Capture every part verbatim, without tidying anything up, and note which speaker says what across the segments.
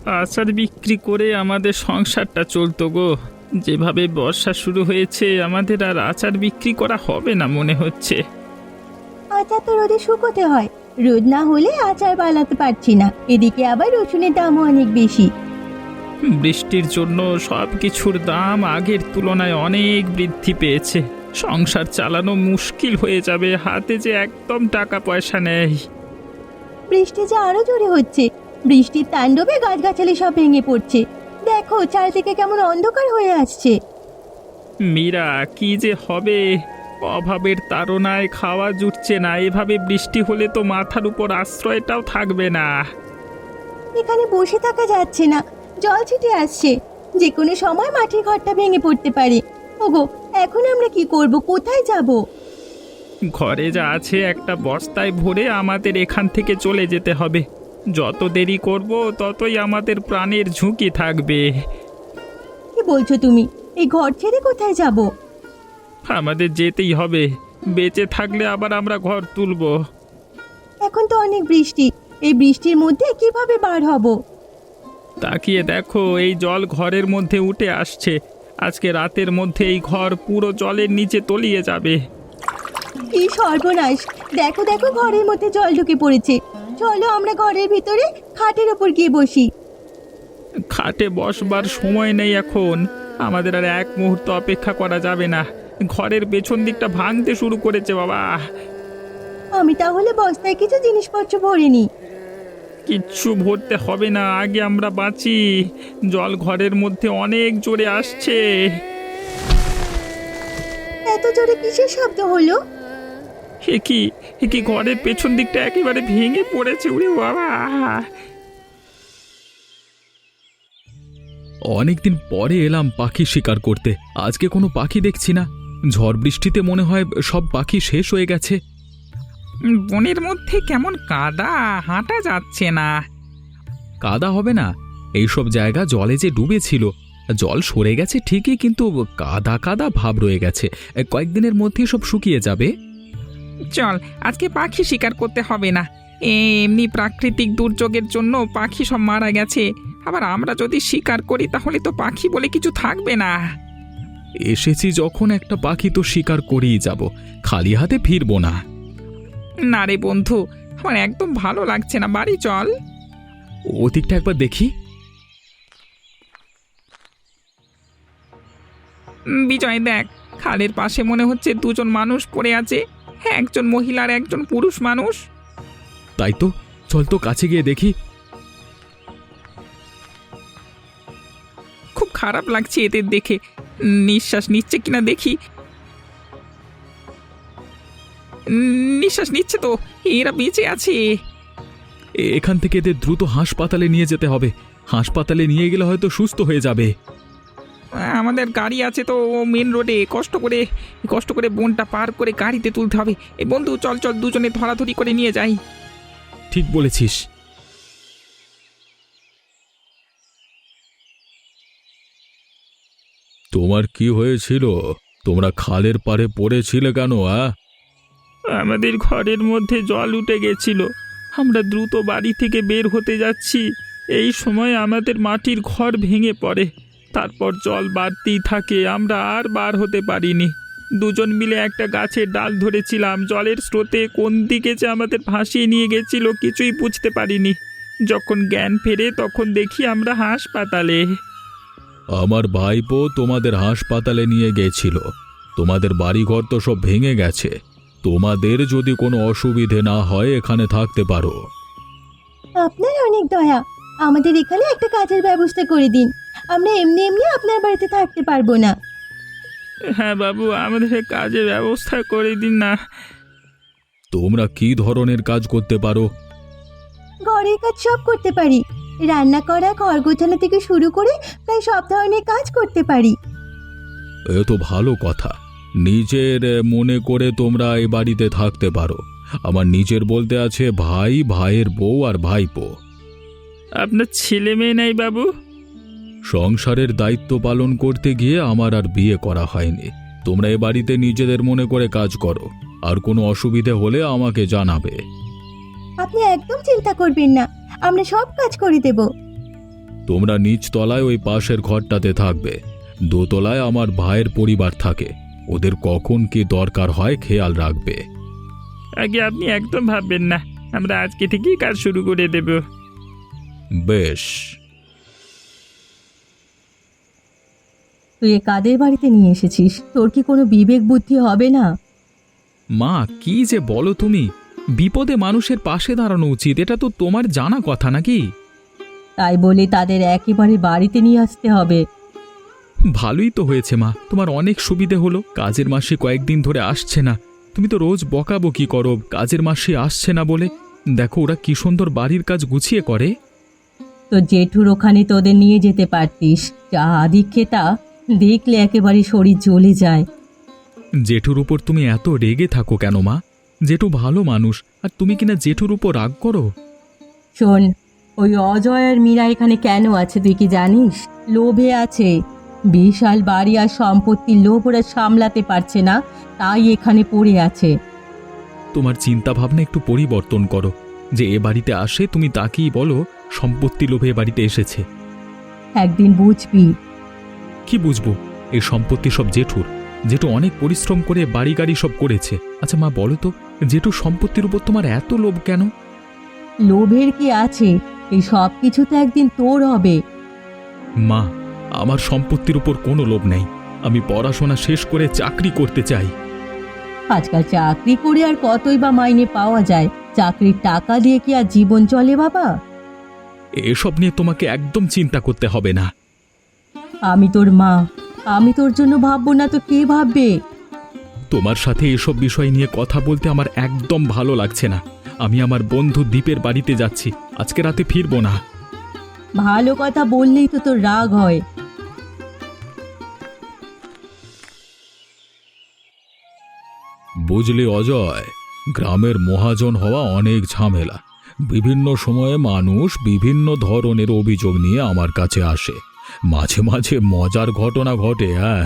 Speaker 1: আচার বিক্রি করে আমাদের সংসারটা চলতো গো। যেভাবে বর্ষা শুরু হয়েছে আমাদের আর আচার বিক্রি করা হবে না মনে হচ্ছে।
Speaker 2: আচার তো রোদে শুকোতে হয়, রোদ না হলে আচার বানাতে পারছি না। এদিকে আবার রসুনের দামও অনেক বেশি।
Speaker 1: বৃষ্টির জন্য সব কিছুর দাম আগের তুলনায় অনেক বৃদ্ধি পেয়েছে। সংসার চালানো মুশকিল হয়ে যাবে, হাতে যে একদম টাকা পয়সা নেই।
Speaker 2: বৃষ্টি যে আরো জোরে হচ্ছে, বৃষ্টির তাণ্ডবে গাছগাছালি সব ভেঙে পড়ছে। দেখো চারদিকে কেমন অন্ধকার হয়ে আসছে।
Speaker 1: মীরা, কি যে হবে! অভাবের তাড়নায় খাওয়া জুটছে না। এভাবে বৃষ্টি হলে তো মাথার উপর আশ্রয়টাও থাকবে না।
Speaker 2: এখানে বসে থাকা যাচ্ছে না, জল ছিটে আসছে। যে কোনো সময় মাটির ঘরটা ভেঙে পড়তে পারে। ওগো, এখন আমরা কি করব? কোথায় যাব?
Speaker 1: ঘরে যা আছে একটা বস্তায় ভরে আমাদের এখান থেকে চলে যেতে হবে। যত দেরি করব ততই আমাদের প্রাণের ঝুঁকি থাকবে।
Speaker 2: কি বলছো তুমি? এই ঘর ছেড়ে কোথায় যাব?
Speaker 1: আমাদের যেতেই হবে। বেঁচে থাকলে আবার আমরা ঘর তুলব।
Speaker 2: এখন তো অনেক বৃষ্টি, এই বৃষ্টির মধ্যে কিভাবে বার হব?
Speaker 1: তাকিয়ে দেখো, এই জল ঘরের মধ্যে উঠে আসছে। আজকে রাতের মধ্যে এই ঘর পুরো জলের নিচে তলিয়ে যাবে।
Speaker 2: কি সর্বনাশ! দেখো দেখো, ঘরের মধ্যে জল ঢুকে পড়েছে। চলো আমরা ঘরের ভিতরে খাটের ওপর গিয়ে বসি।
Speaker 1: খাটে বসবার সময় নেই এখন। আমাদের আর এক মুহূর্ত অপেক্ষা করা যাবে না। ঘরের পেছন দিকটা ভাঙতে শুরু করেছে বাবা।
Speaker 2: আমি তাহলে বস্তায় কিছু জিনিসপত্র ভরে নিই।
Speaker 1: কিচ্ছু ভরতে হবে না, আগে আমরা বাঁচি। জল ঘরের মধ্যে অনেক জোরে আসছে।
Speaker 2: এত জোরে কিসের শব্দ হলো?
Speaker 1: হে কি, হে কি, ঘরের পেছন দিকটা একেবারে ভেঙে পড়েছে। উড়ে বাবা!
Speaker 3: অনেকদিন পরে এলাম পাখি শিকার করতে। আজকে কোনো পাখি দেখছি না। ঝড় বৃষ্টিতে মনে হয় সব পাখি শেষ হয়ে গেছে।
Speaker 1: বনের মধ্যে কেমন কাদা, হাঁটা যাচ্ছে না।
Speaker 3: কাদা হবে না? এইসব জায়গা জলে যে ডুবেছিল, জল সরে গেছে ঠিকই, কিন্তু কাদা কাদা ভাব রয়ে গেছে। কয়েকদিনের মধ্যেই সব শুকিয়ে যাবে।
Speaker 1: চল, আজকে পাখি শিকার করতে হবে না। এমনি প্রাকৃতিক দুর্যোগের জন্য পাখি সব মারা গেছে। আবার আমরা যদি শিকার করি তাহলে তো পাখি বলে কিছু থাকবে না।
Speaker 3: এসেছি যখন একটা পাখি তো শিকার করেই যাব, খালি হাতে ফিরবো না।
Speaker 1: না রে বন্ধু, আমার একদম ভালো লাগছে না। বাড়ি চল।
Speaker 3: ওদিকটা একবার দেখি।
Speaker 1: উম, বিজয় দেখ, খালের পাশে মনে হচ্ছে দুজন মানুষ পড়ে আছে। হ্যাঁ, একজন মহিলা আর একজন পুরুষ মানুষ।
Speaker 3: তাই তো, চল তো কাছে গিয়ে দেখি।
Speaker 1: খুব খারাপ লাগছে এদের দেখে। নিঃশ্বাস নিচ্ছে কিনা দেখি। উম, নিঃশ্বাস নিচ্ছে তো, এরা বেঁচে আছে।
Speaker 3: এ- এখান থেকে এদের দ্রুত হাসপাতালে নিয়ে যেতে হবে। হাসপাতালে নিয়ে গেলে হয়তো সুস্থ হয়ে যাবে।
Speaker 1: আমাদের গাড়ি আছে তো মেন রোডে, কষ্ট করে কষ্ট করে বনটা পার করে গাড়িতে তুলতে হবে। এই বন্ধু, চল চল, দুজনে ধরাধরি করে নিয়ে যাই।
Speaker 3: ঠিক বলেছিস। তোমার কি হয়েছিল? তোমরা খালের পাড়ে পড়েছিলে কেন? আ
Speaker 1: আমাদের ঘরের মধ্যে জল উঠে গেছিল। আমরা দ্রুত বাড়ি থেকে বের হতে যাচ্ছি, এই সময় আমাদের মাটির ঘর ভেঙে পড়ে। তারপর জল বাড়তেই থাকে, আমরা আর বার হতে পারিনি। দুজন মিলে একটা গাছের ডাল ধরেছিলাম। জলের স্রোতে কোন দিকে যে আমাদের ভাসিয়ে নিয়ে গেছিল কিছুই বুঝতে পারিনি। যখন জ্ঞান ফেরে তখন দেখি আমরা হাসপাতালে।
Speaker 3: আমার ভাইপো তোমাদের হাসপাতালে নিয়ে গেছিল। তোমাদের বাড়িঘর তো সব ভেঙে গেছে। তোমাদের যদি কোনো অসুবিধে না হয় এখানে থাকতে পারো।
Speaker 2: আপনার অনেক দয়া, আমাদের এখানে একটা কাজের ব্যবস্থা করে দিন। আমরা এমনি এমনি আপনার বাড়িতে থাকতে পারবো না।
Speaker 1: হ্যাঁ বাবু, আমাদের কাজের ব্যবস্থা করে দিন না।
Speaker 3: তোমরা কি ধরনের কাজ করতে পারো?
Speaker 2: ঘরের কাজ সব করতে পারি। রান্না করা, ঘর গোছানো থেকে শুরু করে প্রায় সব ধরনের কাজ করতে পারি।
Speaker 3: এ তো ভালো কথা। নিজের মনে করে তোমরা এই বাড়িতে থাকতে পারো। আমার নিজের বলতে আছে ভাই, ভাইয়ের বউ আর ভাইপো।
Speaker 1: আপনার ছেলে মেয়ে নেই বাবু?
Speaker 3: সংসারের দায়িত্ব পালন করতে গিয়ে আমার আর বিয়ে করা হয়নি। তোমরা এ বাড়িতে নিজেদের মনে করে কাজ করো, আর কোনো অসুবিধে হলে আমাকে জানাবে।
Speaker 2: আপনি একদম চিন্তা করবেন না, আমরা সব কাজ করে দেব।
Speaker 3: তোমরা নিচতলায় ওই পাশের ঘরটাতে থাকবে, দোতলায় আমার ভাইয়ের পরিবার থাকে, ওদের কখন কি দরকার হয় খেয়াল রাখবে।
Speaker 1: আগে আপনি একদম ভাববেন না, আমরা আজকে থেকেই কাজ শুরু করে দেব।
Speaker 3: বেশ।
Speaker 2: তুই এ কাদের বাড়িতে নিয়ে এসেছিস? তোর কি কোনো বিবেক বুদ্ধি হবে না?
Speaker 4: মা, কি যে বলো তুমি! বিপদে মানুষের পাশে দাঁড়ানো উচিত, এটা তো তোমার জানা কথা নাকি?
Speaker 2: তাই বলে তাদের একেবারে বাড়িতে নিয়ে আসতে হবে?
Speaker 4: ভালোই তো হয়েছে মা, তোমার অনেক সুবিধে হলো। কাজের মাসে কয়েকদিন ধরে আসছে না, তুমি তো রোজ বকাবকি করো কাজের মাসে আসছে না বলে। দেখো ওরা কি সুন্দর বাড়ির কাজ গুছিয়ে করে।
Speaker 2: তো জেঠুর ওখানে তোদের নিয়ে যেতে পারতিস, যা আদিক্ষেতা, দেখলে একেবারে শরীর জ্বলে যায়।
Speaker 4: জেঠুর উপর তুমি এত রেগে থাকো কেন মা? জেঠু ভালো মানুষ, আর তুমি কিনা জেঠুর উপর রাগ করো।
Speaker 2: শোন, ওই অজয় আর মীরা এখানে কেন আছে তুই কি জানিস? লোভে আছে। বিশাল বাড়ি আর সম্পত্তির লোভ ওরা সামলাতে পারছে না, তাই এখানে পড়ে আছে।
Speaker 4: তোমার চিন্তা ভাবনা একটু পরিবর্তন করো। যে এ বাড়িতে আসে তুমি তাকেই বলো সম্পত্তি লোভে এ বাড়িতে এসেছে।
Speaker 2: একদিন বুঝবি।
Speaker 4: কি বুঝবো? এই সম্পত্তি সব জেঠুর। জেঠু অনেক পরিশ্রম করে বাড়ি গাড়ি সব করেছে। আচ্ছা মা বলো তো, জেঠু সম্পত্তির উপর তোমার এত লোভ কেন?
Speaker 2: লোভের কি আছে? এই সব কিছু তো একদিন তোর হবে।
Speaker 4: মা, আমার সম্পত্তির উপর কোনো লোভ নেই। আমি পড়াশোনা শেষ করে চাকরি করতে চাই।
Speaker 2: আজকাল চাকরি করে আর কতই বা মাইনে পাওয়া যায়? চাকরির টাকা দিয়ে কি আর জীবন চলে বাবা?
Speaker 4: এসব নিয়ে তোমাকে একদম চিন্তা করতে হবে না।
Speaker 2: আমি তোর মা, আমি তোর জন্য ভাববো না তো কে ভাববে?
Speaker 4: তোমার সাথে এসব বিষয় নিয়ে কথা বলতে আমার একদম ভালো লাগছে না। আমি আমার বন্ধু দীপের বাড়িতে যাচ্ছি, আজকে রাতে ফিরবো না।
Speaker 2: ভালো কথা বললেই তো তোর রাগ হয়।
Speaker 3: বুঝলি অজয়, গ্রামের মহাজন হওয়া অনেক ঝামেলা। বিভিন্ন সময়ে মানুষ বিভিন্ন ধরনের অভিযোগ নিয়ে আমার কাছে আসে। মাঝে মাঝে মজার ঘটনা ঘটে। হ্যাঁ,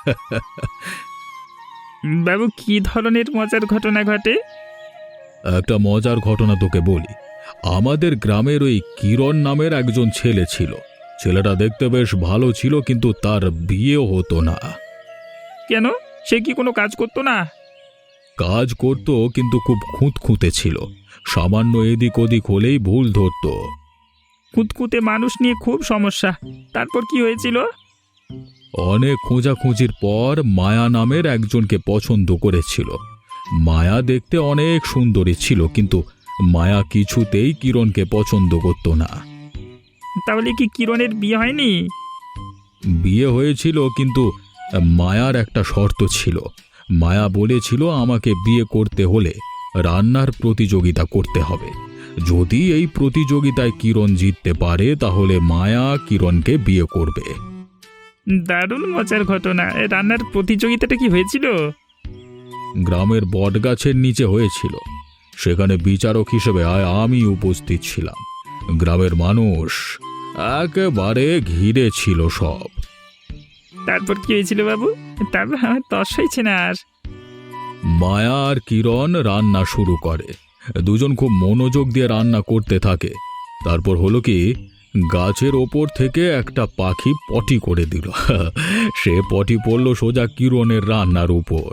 Speaker 1: বাবু, কি ধরনের মজার ঘটনা ঘটে?
Speaker 3: একটা মজার ঘটনা তোকে বলি। আমাদের গ্রামের ওই কিরণ নামের একজন ছেলে ছিল। ছেলেটা দেখতে বেশ ভালো ছিল, কিন্তু তার বিয়ে হতো না।
Speaker 1: কেন? সে কি কোনো কাজ করতো না?
Speaker 3: কাজ করত, কিন্তু খুব খুঁতখুঁতে ছিল। সামান্য এদিক ওদিক হলেই ভুল ধরত।
Speaker 1: খুঁতখুঁতে মানুষ নিয়ে খুব সমস্যা। তারপর কি হয়েছিল?
Speaker 3: অনেক খোঁজাখুঁজির পর মায়া নামের একজনকে পছন্দ করেছিল। মায়া দেখতে অনেক সুন্দরী ছিল, কিন্তু মায়া কিছুতেই কিরণকে পছন্দ করত না।
Speaker 1: তাহলে কি কিরণের বিয়ে হয়নি?
Speaker 3: বিয়ে হয়েছিল, কিন্তু মায়ার একটা শর্ত ছিল। মায়া বলেছিল আমাকে বিয়ে করতে হলে রান্নার প্রতিযোগিতা করতে হবে। যদি এই প্রতিযোগিতায় কিরণ জিততে পারে তাহলে মায়া কিরণকে বিয়ে করবে।
Speaker 1: দারুণ মজার ঘটনা। এ রান্নার প্রতিযোগিতাটা কি হয়েছিল?
Speaker 3: গ্রামের বটগাছের নিচে হয়েছিল। সেখানে বিচারক হিসেবে আয় আমি উপস্থিত ছিলাম। গ্রামের মানুষ একেবারে ঘিরে ছিল সব।
Speaker 1: তারপর কি হয়েছিল বাবু? তারপর আমার তস হয়েছে না আর।
Speaker 3: মায়া আর কিরণ রান্না শুরু করে। দুজন খুব মনোযোগ দিয়ে রান্না করতে থাকে। তারপর হলো কি, গাছের ওপর থেকে একটা পাখি পটি করে দিল। সে পটি পড়ল সোজা কিরণের রান্নার উপর।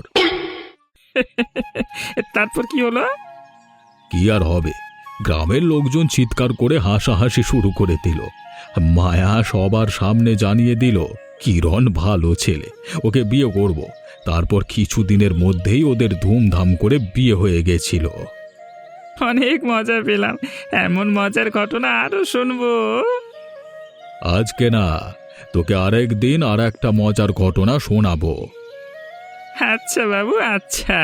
Speaker 1: তারপর কি হলো?
Speaker 3: কি আর হবে, গ্রামের লোকজন চিৎকার করে হাসাহাসি শুরু করে দিল। মায়া সবার সামনে জানিয়ে দিল কিরণ ভালো ছেলে, ওকে বিয়ে করব। তারপর কিছুদিনের মধ্যেই ওদের ধুমধাম করে বিয়ে হয়ে গেছিল।
Speaker 1: অনেক মজা পেলাম। এমন মজার ঘটনা আরো শুনবো।
Speaker 3: আজকে না, তোকে আরেক দিন আর একটা মজার ঘটনা শোনাবো।
Speaker 1: আচ্ছা বাবু, আচ্ছা।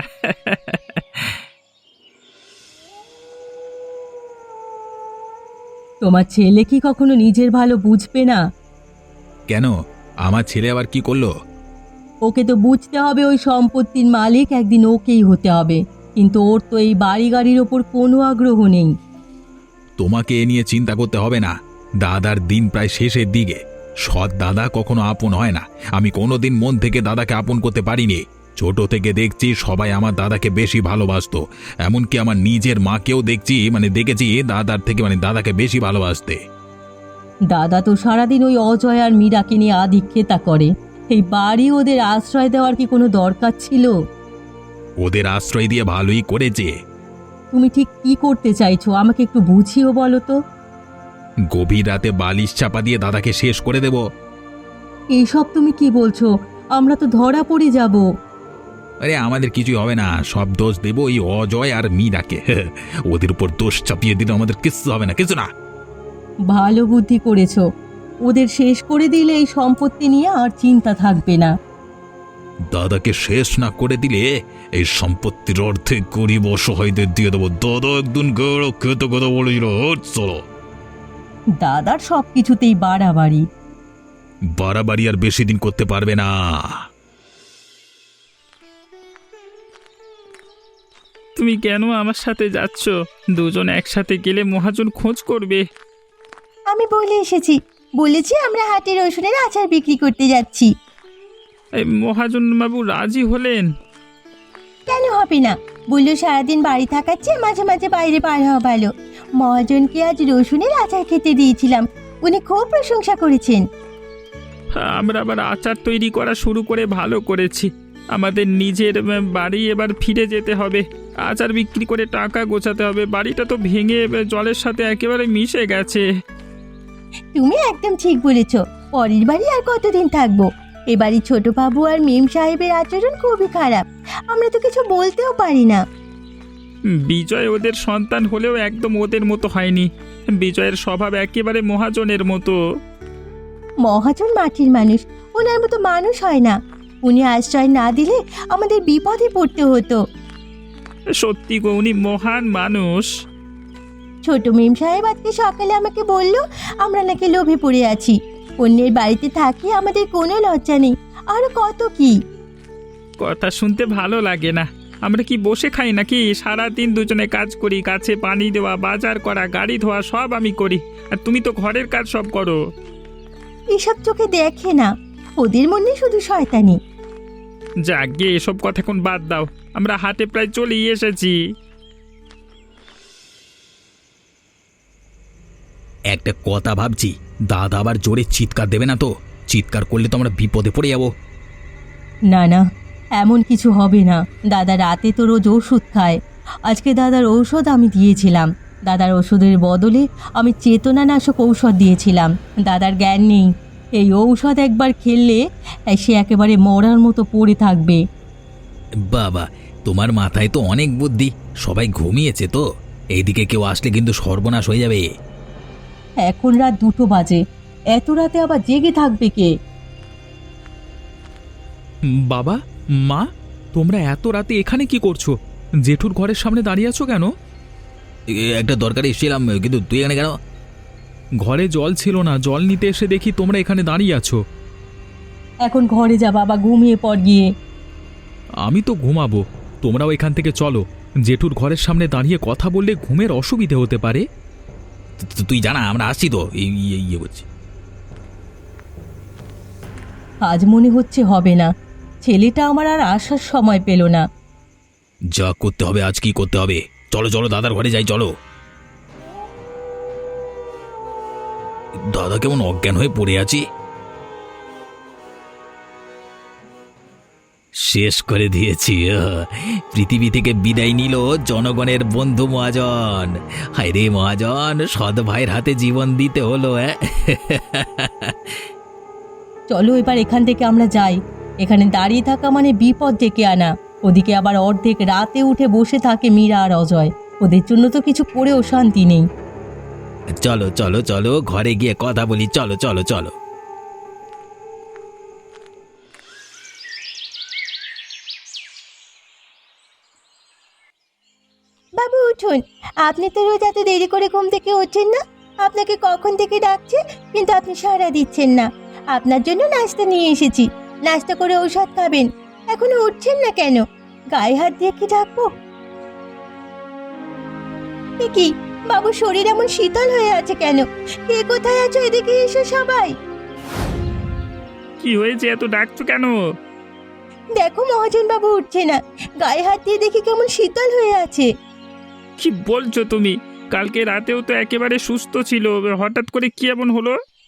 Speaker 2: তোমার ছেলে কি কখনো নিজের ভালো বুঝবে না?
Speaker 4: কেন? আমার ছেলে আবার কি করলো?
Speaker 2: ওকে তো বুঝতে হবে ওই সম্পত্তির মালিক একদিন ওকেই হতে হবে, কিন্তু ওর তো এই বাড়ি গাড়ির ওপর কোনো আগ্রহ নেই।
Speaker 4: তোমাকে এ নিয়ে চিন্তা করতে হবে না। দাদার দিন প্রায় শেষের দিকে। সৎ দাদা কখনো আপন হয় না। আমি কোনোদিন মন থেকে দাদাকে আপন করতে পারিনি। ছোট থেকে দেখছি সবাই আমার দাদাকে বেশি ভালোবাসতো। এমনকি আমার নিজের মাকেও দেখছি, মানে দেখেছি দাদার থেকে মানে দাদাকে বেশি ভালোবাসতে।
Speaker 2: দাদা তো সারাদিন ওই অজয় আর মীরাকে নিয়ে আধিক্যতা করে। এই বাড়ি ওদের আশ্রয় দেওয়ার কি কোনো দরকার ছিল?
Speaker 4: ওদের আশ্রয় দিয়ে ভালোই করেছে।
Speaker 2: তুমি ঠিক কি করতে চাইছো আমাকে একটু বুঝিও বলো তো।
Speaker 4: গভীর রাতে বালিশ চাপা দিয়ে দাদাকে শেষ করে দেব।
Speaker 2: এইসব তুমি কি বলছো? আমরা তো ধরা পড়ে যাব।
Speaker 4: আরে আমাদের কিছুই হবে না, সব দোষ দেব ওই অজয় আর মীরাকে। ওদের উপর দোষ চাপিয়ে দিলে আমাদের কিচ্ছু হবে না, কিছু না।
Speaker 2: ভালো বুদ্ধি করেছো। ওদের শেষ করে দিলে এই সম্পত্তি নিয়ে আর চিন্তা থাকবে না।
Speaker 4: দাদাকে শেষ না করে দিলে এই সম্পত্তির অর্ধেক গরিব অসহায়দের দিয়ে দেবো। দাদা একদিন গেড়ো খেতে কথা বলেছিল। চলো।
Speaker 2: দাদার সব কিছুতেই বাড়াবাড়ি।
Speaker 4: বাড়াবাড়ি আর বেশি দিন করতে পারবে না।
Speaker 1: তুমি কেন আমার সাথে যাচ্ছ? দুজন একসাথে গেলে মহাজন খোঁজ করবে।
Speaker 2: আমি বলে এসেছি, বলেছি আমরা হাটে রসুনের আচার বিক্রি করতে যাচ্ছি।
Speaker 1: এই মহাজন বাবু রাজি হলেন?
Speaker 2: কেন হবে না? বললো সারাদিন বাড়ি থাকার চেয়ে মাঝে মাঝে বাইরে বার হওয়া ভালো। মহাজনকে আজ রসুনের আচার খেতে দিয়েছিলাম, উনি খুব প্রশংসা করেছেন।
Speaker 1: আমরা আবার আচার তৈরি করা শুরু করে ভালো করেছি। আমাদের নিজের উম, বাড়ি এবার ফিরে যেতে হবে। আচার বিক্রি করে টাকা গোছাতে হবে। বাড়িটা তো ভেঙে উম, জলের সাথে একেবারে মিশে গেছে।
Speaker 2: তুমি একদম ঠিক বলেছ। পরের বাড়ি আর কতদিন থাকবো? এ বাড়ি ছোট বাবু আর মেম সাহেবের আচরণ খুবই খারাপ, আমরা তো কিছু বলতেও পারি না।
Speaker 1: বিজয় ওদের সন্তান হলেও একদম ওদের মতো হয়নি। বিজয়ের স্বভাব একেবারে মহাজনের মতো।
Speaker 2: মহাজন মাটির মানুষ, ওনার মতো মানুষ হয় না। উনি আশ্রয় না দিলে আমাদের বিপদে পড়তে হতো।
Speaker 1: সত্যি গো, উনি মহান মানুষ।
Speaker 2: ছোট মেম সাহেব আজকে সকালে আমাকে বলল আমরা নাকি লোভে পড়ে আছি, অন্যের বাড়িতে থাকি, আমাদের কোনো লজ্জা নেই, আরো কত কি।
Speaker 1: কথা শুনতে ভালো লাগে না। আমরা কি বসে খাই নাকি? সারাদিন দুজনে কাজ করি, গাছে পানি দেওয়া, বাজার করা, গাড়ি ধোয়া সব আমি করি, আর তুমি তো ঘরের কাজ সব করো।
Speaker 2: এসব চোখে দেখে না, ওদের মনে শুধু শয়তানি।
Speaker 1: যাক গিয়ে এসব কথা এখন বাদ দাও, আমরা হাটে প্রায় চলেই এসেছি।
Speaker 4: একটা কথা ভাবছি, দাদা আবার জোরে চিৎকার দেবে না তো? চিৎকার করলে তো আমরা বিপদে পড়ে যাবো।
Speaker 2: না না, এমন কিছু হবে না। দাদা রাতে তো রোজ ওষুধ খায়, আজকে দাদার ঔষধ আমি দিয়েছিলাম। দাদার ওষুধের বদলে আমি চেতনানাশক ঔষধ দিয়েছিলাম। দাদার জ্ঞান নেই, এই ঔষধ একবার খেললে সে একেবারে মরার মতো পড়ে থাকবে।
Speaker 4: বাবা, তোমার মাথায় তো অনেক বুদ্ধি। সবাই ঘুমিয়েছে তো, এইদিকে কেউ আসলে কিন্তু সর্বনাশ হয়ে যাবে।
Speaker 2: এখন রাত দুটো বাজে, এত রাতে আবার জেগে থাকবে কে?
Speaker 3: বাবা, মা, তোমরা এত রাতে এখানে কি করছো? জেঠুর ঘরের সামনে দাঁড়িয়ে আছো কেন?
Speaker 4: একটা দরকারে এসেছিলাম, কিন্তু তুই এখানে কেন?
Speaker 3: ঘরে জল ছিল না, জল নিতে এসে দেখি তোমরা এখানে দাঁড়িয়ে আছো।
Speaker 2: এখন ঘরে যা বাবা, ঘুমিয়ে পড় গিয়ে।
Speaker 3: আমি তো ঘুমাবো, তোমরাও এখান থেকে চলো। জেঠুর ঘরের সামনে দাঁড়িয়ে কথা বললে ঘুমের অসুবিধে হতে পারে।
Speaker 4: তুই জানা আমরা আসছি তো, এই ইয়ে করছি।
Speaker 2: আজ মনে হচ্ছে হবে না, ছেলেটা আমার আর আসার সময় পেল না।
Speaker 4: যা করতে হবে আজ কি করতে হবে। চলো চলো দাদার ঘরে যাই, চলো। দাদা কেমন অজ্ঞান হয়ে পড়ে আছি। শেষ করে দিয়েছি। পৃথিবী থেকে বিদায় নিল জনগণের বন্ধু মহাজন। হায় রে মহাজন, সৎ ভাইয়ের হাতে জীবন দিতে হলো।
Speaker 2: চলো এবার এখান থেকে আমরা যাই। এখানে দাঁড়িয়ে থাকা মানে বিপদ ডেকে আনা। ওদিকে আবার অর্ধেক রাতে উঠে বসে থাকে মীরা আর অজয়, ওদের জন্য তো কিছু করেও শান্তি নেই।
Speaker 4: চলো চলো চলো, ঘরে গিয়ে কথা বলি। চলো চলো চলো।
Speaker 2: বাবু উঠুন, আপনি তো রোজ এত দেরি করে ঘুম থেকে ওঠেন না। আপনাকে কখন থেকে ডাকছে, কিন্তু আপনি সাড়া দিচ্ছেন না। আপনার জন্য নাস্তা নিয়ে এসেছি, নাস্তা করে ঔষধ খাবেন। এখনো উঠছেন না কেন? গায়ে হাত দিয়ে কি ডাকবো? এ কি বাবু, শরীর এমন শীতল হয়ে আছে কেন? কে কোথায় আছো? এদিকে এসো সবাই।
Speaker 1: কি হয়েছে, এত ডাকছো কেন?
Speaker 2: দেখো মহাজন বাবু উঠছে না, গায়ে হাত দিয়ে দেখি কেমন শীতল হয়ে আছে।
Speaker 1: কি বলছো তুমি? কালকে রাতেও তো একেবারে সুস্থ ছিল, হঠাৎ করে কি এমন হলো?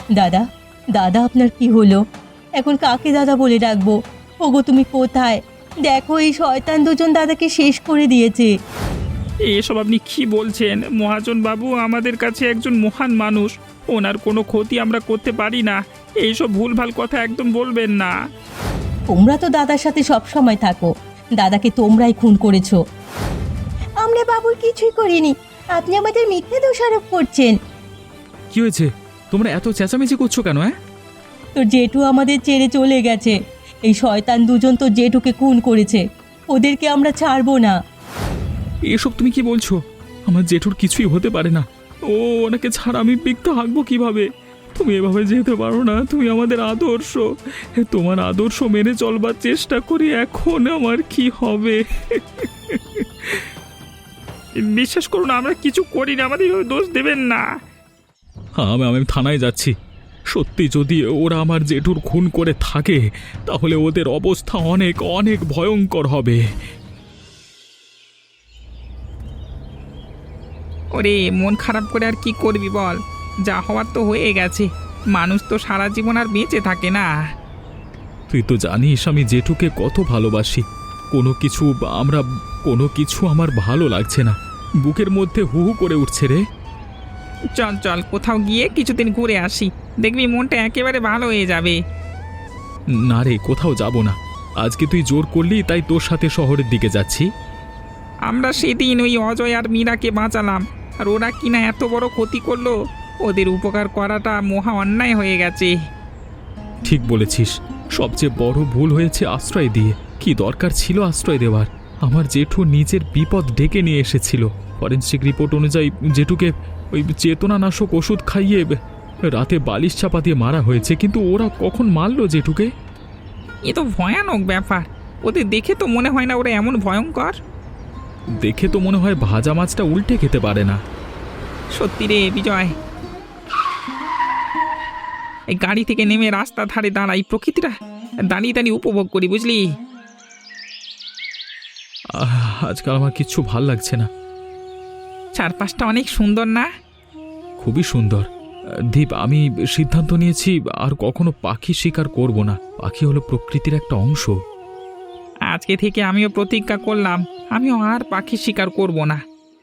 Speaker 2: দাদা, দাদা আপনার কি হলো? এখন কাকে দাদা বলে ডাকবো? ওগো তুমি কোথায়? দেখো এই শয়তান দুজন দাদাকে শেষ করে দিয়েছে।
Speaker 1: এসব আপনি কি বলছেন মহাজন বাবু? আমাদের কাছে একজন মহান মানুষ, ওনার কোনো ক্ষতি আমরা করতে পারি না। এইসব ভুলভাল কথা একদম বলবেন না।
Speaker 2: তোমরা তো দাদার সাথে সব সময় থাকো, দাদাকে তোমরাই খুন করেছো। আমরা বাবুর কিছুই করিনি, আপনি আমাদের মিথ্যে দোষারোপ করছেন।
Speaker 3: কি হয়েছে? তোমরা এত চেঁচামেচি করছো কেন? হ্যাঁ,
Speaker 2: তোর জেঠু আমাদের ছেড়ে চলে গেছে। এই শয়তান দুজন তো জেঠুকে খুন করেছে, ওদেরকে আমরা ছাড়বো না।
Speaker 3: এসব তুমি কি বলছো? আমার জেঠুর কিছুই হতে পারে না। ও ওনাকে ছাড়া আমি পিকতে হাঁকবো কিভাবে? তুমি এভাবে যেতে পারো না, তুমি আমাদের আদর্শ। তোমার আদর্শ মেনে চলবার চেষ্টা করি, এখন আমার কি হবে?
Speaker 1: বিশ্বাস করুন আমরা কিছু করি না, আমাদের এভাবে দোষ দেবেন না।
Speaker 3: আমি আমি থানায় যাচ্ছি। সত্যি যদি ওরা আমার জেঠুর খুন করে থাকে তাহলে ওদের অবস্থা অনেক অনেক ভয়ঙ্কর হবে।
Speaker 1: ওরে মন খারাপ করে আর কি করবি বল, যা হওয়ার তো হয়ে গেছে। মানুষ তো সারা জীবন আর বেঁচে থাকে না।
Speaker 3: তুই তো জানিস আমি জেঠুকে কত ভালোবাসি। কোনো কিছু আমরা কোনো কিছু আমার ভালো লাগছে না, বুকের মধ্যে হু হু করে উঠছে রে।
Speaker 1: চল চল কোথাও গিয়ে কিছুদিন ঘুরে আসি, দেখবি মনটা একেবারে ভালো হয়ে যাবে।
Speaker 3: না রে, কোথাও যাব না। আজকে তুই জোর করলি তাই তোর সাথে শহরের দিকে যাচ্ছি।
Speaker 1: আমরা সেদিন ওই অজয় আর মীরাকে বাঁচালাম, আর ওরা কিনা এত বড় ক্ষতি করলো। ওদের উপকার করাটা মহা অন্যায় হয়ে গেছে।
Speaker 3: ঠিক বলেছিস, সবচেয়ে বড় ভুল হয়েছে আশ্রয় দিয়ে। কি দরকার ছিল আশ্রয় দেওয়ার? আমার জেঠু নিজের বিপদ ডেকে নিয়ে এসেছিল। ফরেনসিক রিপোর্ট অনুযায়ী জেঠুকে ওই চেতনানাশক ওষুধ খাইয়ে রাতে বালিশ চাপা দিয়ে মারা হয়েছে, কিন্তু ওরা কখন মারলো জেঠুকে?
Speaker 1: এ তো ভয়ানক ব্যাপার। ওদের দেখে তো মনে হয় না ওরা এমন ভয়ঙ্কর।
Speaker 3: দেখে তো মনে হয় ভাজা মাছটা উল্টে খেতে পারে না।
Speaker 1: সত্যি রে বিজয়, এই গাড়ি থেকে নেমে রাস্তা ধারে দাঁড়াই, প্রকৃতিটা দাঁড়িয়ে দাঁড়িয়ে উপভোগ করি, বুঝলি?
Speaker 3: আহ, আজকাল আমার কিচ্ছু ভাল লাগছে না।
Speaker 1: চারপাশটা অনেক সুন্দর না?
Speaker 3: খুবই সুন্দর। দীপ, আমি সিদ্ধান্ত নিয়েছি আর কখনো পাখি শিকার করব না। পাখি হলো প্রকৃতির একটা অংশ।
Speaker 1: আজকে থেকে আমিও প্রতিজ্ঞা করলাম, আমিও আর পাখি শিকার করব না।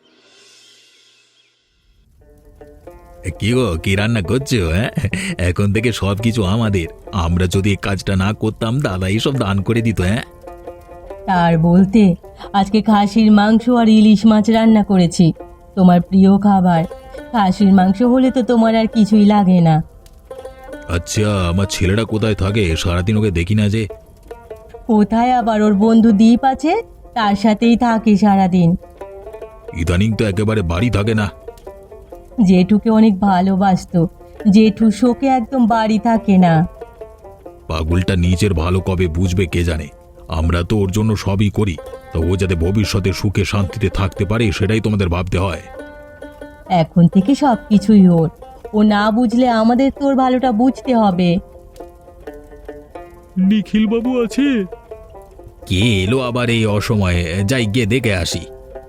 Speaker 4: কি গো, কি রান্না করছো? হ্যাঁ, এখন থেকে সব কিছু আমাদের। আমরা যদি এই কাজটা না করতাম দাদা এইসব দান করে দিত। হ্যাঁ,
Speaker 2: আর বলতে, আজকে খাসির মাংস আর ইলিশ মাছ রান্না করেছি, তোমার প্রিয় খাবার। খাসির মাংস হলে তো তোমার আর কিছুই লাগে না।
Speaker 4: আচ্ছা, আমার ছেলেটা কোথায় থাকে? সারাদিন ওকে দেখি না যে।
Speaker 2: কোথায় আবার, ওর বন্ধু দ্বীপ আছে, তার সাথেই থাকে সারাদিন।
Speaker 4: ইদানিং তো একেবারে বাড়ি থাকে না।
Speaker 2: জেঠুকে অনেক ভালোবাসতো, জেঠু শোকে একদম বাড়ি থাকে না।
Speaker 4: পাগলটা নিজের ভালো কবে বুঝবে কে জানে। আমরা তো ওর জন্য সবই করি, তো ও যাতে ভবিষ্যতে সুখে শান্তিতে থাকতে পারে সেটাই তোমাদের ভাবতে হয়।
Speaker 2: এখন থেকে সব কিছুই ওর, ও না বুঝলে আমাদের তোর ভালোটা বুঝতে হবে।
Speaker 3: নিখিল বাবু আছে?
Speaker 4: কে এলো আবার এই অসময়ে? যাই গিয়ে দেখে আসি।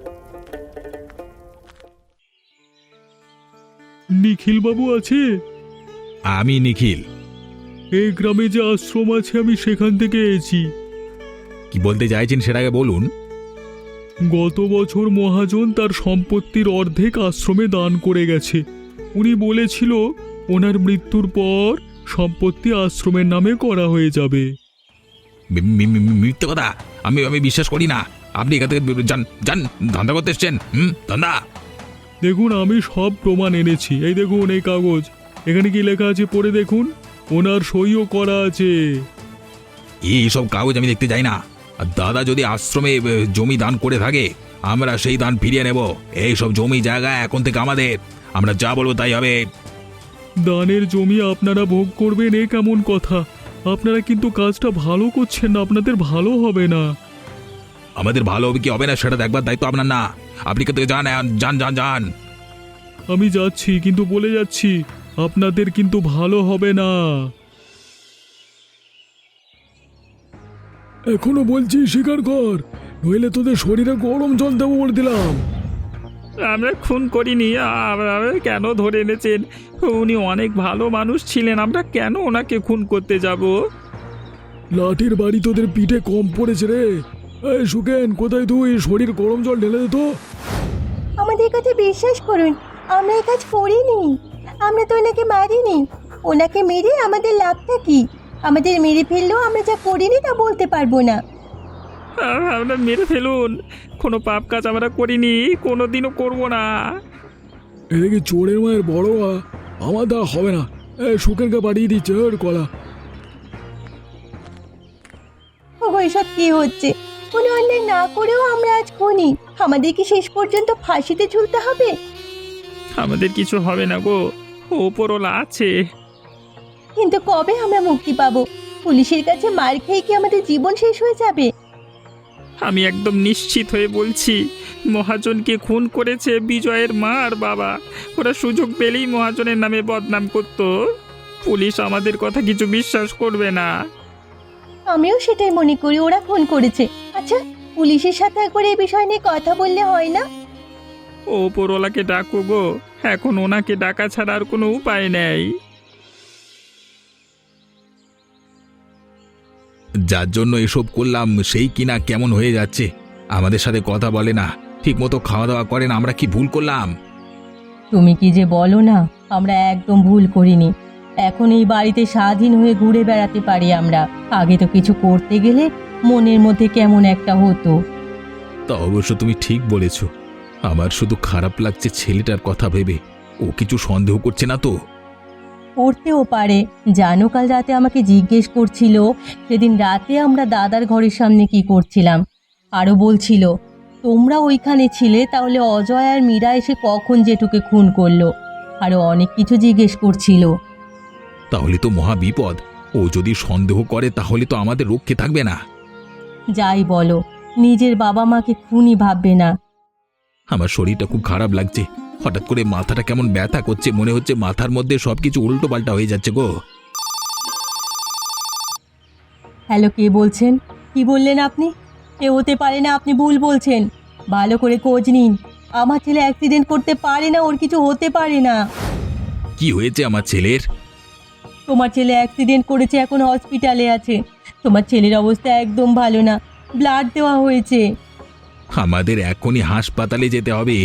Speaker 3: নিখিল বাবু আছে?
Speaker 4: আমি নিখিল।
Speaker 3: এই গ্রামে যে আশ্রম আছে আমি সেখান থেকে এসেছি।
Speaker 4: কি বলতে চাইছেন সেটাকে বলুন।
Speaker 3: গত বছর মহাজন তার সম্পত্তির অর্ধেক আশ্রমে দান করে গেছে। উনি বলেছিল ওনার মৃত্যুর পর সম্পত্তি আশ্রমের নামে করা হয়ে যাবে।
Speaker 4: মি- মি- মি- মিথ্যে কথা। আমি আমি বিশ্বাস করি না। আপনি এখান থেকে যান, যান, ধান্দা করতে এসছেন। হুম, ধান্দা।
Speaker 3: দেখুন, আমি সব প্রমাণ এনেছি। এই দেখুন এই কাগজ, এখানে কি লেখা আছে পড়ে দেখুন, ওনার সইও করা আছে।
Speaker 4: এই সব কাগজ আমি দেখতে যাই না। আর দাদা যদি আশ্রমে এ, জমি দান করে থাকে আমরা সেই দান ফিরিয়ে নেব। এই সব জমি জায়গা এখন থেকে আমাদের। আমরা যা বলবো তাই হবে।
Speaker 3: দানের জমি আপনারা ভোগ করবেন, এ কেমন কথা? আপনারা কিন্তু কাজটা ভালো করছেন না, আপনাদের ভালো হবে না।
Speaker 4: আমাদের ভালো হবে কি হবে না সেটা দেখবার দায়িত্ব আপনার না। আপনি এখান থেকে যান, যান, যান, যান।
Speaker 3: আমি যাচ্ছি, কিন্তু বলে যাচ্ছি আপনাদের কিন্তু ভালো হবে না। এখনো বলছি স্বীকার কর, নইলে তোদের শরীরে গরম জল দেবো বলে দিলাম।
Speaker 1: আমরা খুন করিনি। আমরা কেন ধরে এনেছেন? উনি অনেক ভালো মানুষ ছিলেন, আমরা কেন ওনাকে খুন করতে যাব?
Speaker 3: লাঠির বাড়ি তোদের পিঠে কম পড়েছে রে। এই সুকেন, কোথায় তুই? শরীর গরম জল ঢেলে দে তো।
Speaker 2: আমাদের কথা বিশ্বাস করুন, আমরা এই কাজ করিনি। আমরা তো ওনাকে মারিনি। ওনাকে মেরে আমাদের লাভটা কি? আমাদের মেরে ফেললেও আমরা যা করিনি তা বলতে পারবো না।
Speaker 1: আ- আমরা মেরে ফেলুন, কোনো পাপ কাজ আমরা করিনি, কোনো দিনও করবো না।
Speaker 3: এদিকে চোরের মায়ের বড় আ, আমার দ্বারা হবে না। এই সুকেনকে পাঠিয়ে দিচ্ছে ওর কলা।
Speaker 2: ওগো, এসব কি হচ্ছে? কোনো অন্যায় না করেও আমরা আজ খুনি। আমাদের কি শেষ পর্যন্ত ফাঁসিতে ঝুলতে হবে?
Speaker 1: আমাদের কিছু হবে না গো, ওপরওয়ালা আছে।
Speaker 2: কিন্তু কবে আমরা মুক্তি পাবো? পুলিশের কাছে মার খেয়ে কি আমাদের জীবন শেষ হয়ে যাবে?
Speaker 1: আমি একদম নিশ্চিত হয়ে বলছি, মহাজনকে খুন করেছে বিজয়ের মা আর বাবা। ওরা সুযোগ পেলেই মহাজনের নামে বদনাম করত। পুলিশ আমাদের কথা কিছু বিশ্বাস করবে না।
Speaker 2: আমিও সেটাই মনে করি, ওরা খুন করেছে। আচ্ছা, পুলিশের সাথে একবার এই বিষয় নিয়ে কথা বললে হয় না?
Speaker 1: ও ওপরওয়ালাকে ডাকো গো, এখন ওনাকে ডাকা ছাড়া আর কোনো উপায় নেই।
Speaker 4: যার জন্য এসব করলাম সেই কিনা কেমন হয়ে যাচ্ছে, আমাদের সাথে কথা বলে না, ঠিক মতো খাওয়া দাওয়া করে না। আমরা কি ভুল করলাম?
Speaker 2: তুমি কি যে বলো না, আমরা একদম ভুল করিনি। এখন এই বাড়িতে স্বাধীন হয়ে ঘুরে বেড়াতে পারি আমরা। আগে তো কিছু করতে গেলে মনের মধ্যে কেমন একটা হতো।
Speaker 4: তা অবশ্য তুমি ঠিক বলেছ। আমার শুধু খারাপ লাগছে ছেলেটার কথা ভেবে। ও কিছু সন্দেহ করছে না তো?
Speaker 2: করতেও পারে। জানো, কাল রাতে আমাকে জিজ্ঞেস করছিল সেদিন রাতে আমরা দাদার ঘরের সামনে কি করছিলাম। আরও বলছিল, তোমরা ওইখানে ছিলে, তাহলে অজয় আর মীরা এসে কখন জেঠুকে খুন করলো। আরও অনেক কিছু জিজ্ঞেস করছিল।
Speaker 4: তাহলে তো মহা বিপদ। ও যদি সন্দেহ করে তাহলে তো আমাদের রক্ষে থাকবে না।
Speaker 2: যাই বলো, নিজের বাবা মাকে খুনি ভাববে না।
Speaker 4: আমার শরীরটা খুব খারাপ লাগছে। হঠাৎ করে মাথাটা কেমন ব্যথা করছে, মনে হচ্ছে মাথার মধ্যে সবকিছু উল্টো পাল্টা হয়ে যাচ্ছে গো।
Speaker 2: হ্যালো, কে বলছেন? কি বললেন আপনি? এ হতে পারে না, আপনি ভুল বলছেন। ভালো করে খোঁজ নিন। আমার ছেলে অ্যাক্সিডেন্ট করতে পারে না, ওর কিছু হতে পারে না।
Speaker 4: কি হয়েছে আমার ছেলের?
Speaker 2: তোমার ছেলে অ্যাক্সিডেন্ট করেছে, এখন হসপিটালে আছে। তোমার ছেলের অবস্থা একদম ভালো না, ব্লাড দেওয়া হয়েছে।
Speaker 4: আমাদের এখনই হাসপাতালে যেতে হবে।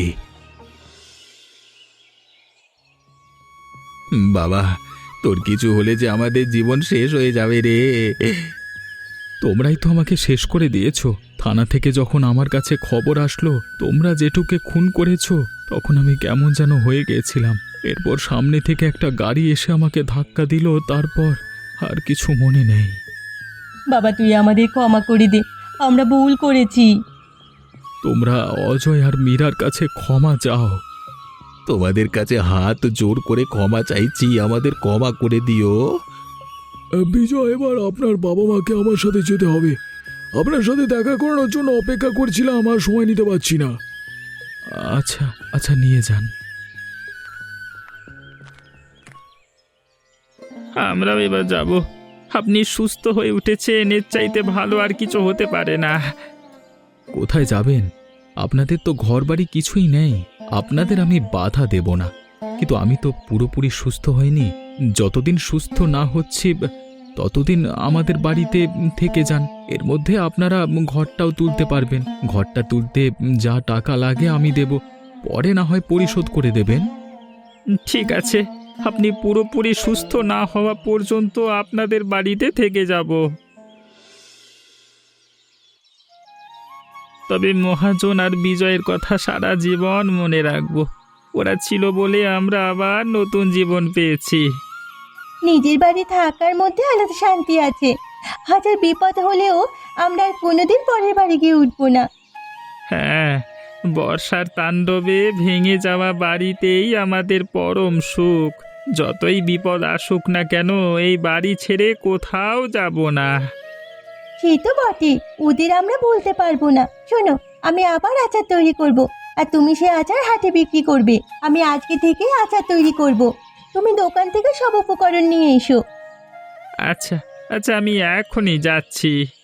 Speaker 4: বাবা, তোর কিছু হলে যে আমাদের জীবন শেষ হয়ে যাবে রে।
Speaker 3: তোমরাই তো আমাকে শেষ করে দিয়েছো। থানা থেকে যখন আমার কাছে খবর আসলো তোমরা জেঠুকে খুন করেছো, তখন আমি কেমন যেন হয়ে গিয়েছিলাম। এরপর সামনে থেকে একটা গাড়ি এসে আমাকে ধাক্কা দিল, তারপর আর কিছু মনে নেই।
Speaker 2: বাবা, তুই আমাদের ক্ষমা করে দে, আমরা ভুল করেছি।
Speaker 3: তোমরা অজয় আর মীরার কাছে ক্ষমা চাও।
Speaker 4: তোমাদের কাছে হাত জোর করে ক্ষমা চাইছি, আমাদের ক্ষমা করে দিও।
Speaker 3: বিজয়, এবার আপনার বাবা মাকে আমার সাথে যেতে হবে। আপনার সাথে দেখা করানোর জন্য অপেক্ষা করছিলাম, আর সময় নিতে পারছি না। আচ্ছা আচ্ছা, নিয়ে যান।
Speaker 1: আমরাও এবার যাব। আপনি সুস্থ হয়ে উঠেছেন, এর চাইতে ভালো আর কিছু হতে পারে না।
Speaker 3: কোথায় যাবেন? আপনাদের তো ঘরবাড়ি কিছুই নেই। আপনাদের আমি বাধা দেব না, কিন্তু আমি তো পুরোপুরি সুস্থ হইনি। যতদিন সুস্থ না হচ্ছি ততদিন আমাদের বাড়িতে থেকে যান। এর মধ্যে আপনারা ঘরটাও তুলতে পারবেন। ঘরটা তুলতে যা টাকা লাগে আমি দেব, পরে না হয় পরিশোধ করে দেবেন।
Speaker 1: ঠিক আছে, আপনি পুরোপুরি সুস্থ না হওয়া পর্যন্ত আপনাদের বাড়িতে থেকে যাব। তবে মহাজন আর বিজয়ের কথা সারা জীবন মনে রাখব। ওরা ছিল বলে আমরা আবার নতুন জীবন পেয়েছি।
Speaker 2: নিজের বাড়ি থাকার মধ্যে আলাদা শান্তি আছে। হাজার বিপদ হলেও আমরা আর কোনোদিন পরের বাড়ি গিয়ে উঠবো না।
Speaker 1: হ্যাঁ, বর্ষার তাণ্ডবে ভেঙে যাওয়া বাড়িতেই আমাদের পরম সুখ। যতই বিপদ আসুক না কেন, এই বাড়ি ছেড়ে কোথাও যাব না।
Speaker 2: সে তো বটে, ওদের আমরা বলতে পারবো না। শোনো, আমি আবার আচার তৈরি করব, আর তুমি সে আচার হাটে বিক্রি করবে। আমি আজকে থেকে আচার তৈরি করব। তুমি দোকান থেকে সব উপকরণ নিয়ে এসো।
Speaker 1: আচ্ছা আচ্ছা, আমি এখনই যাচ্ছি।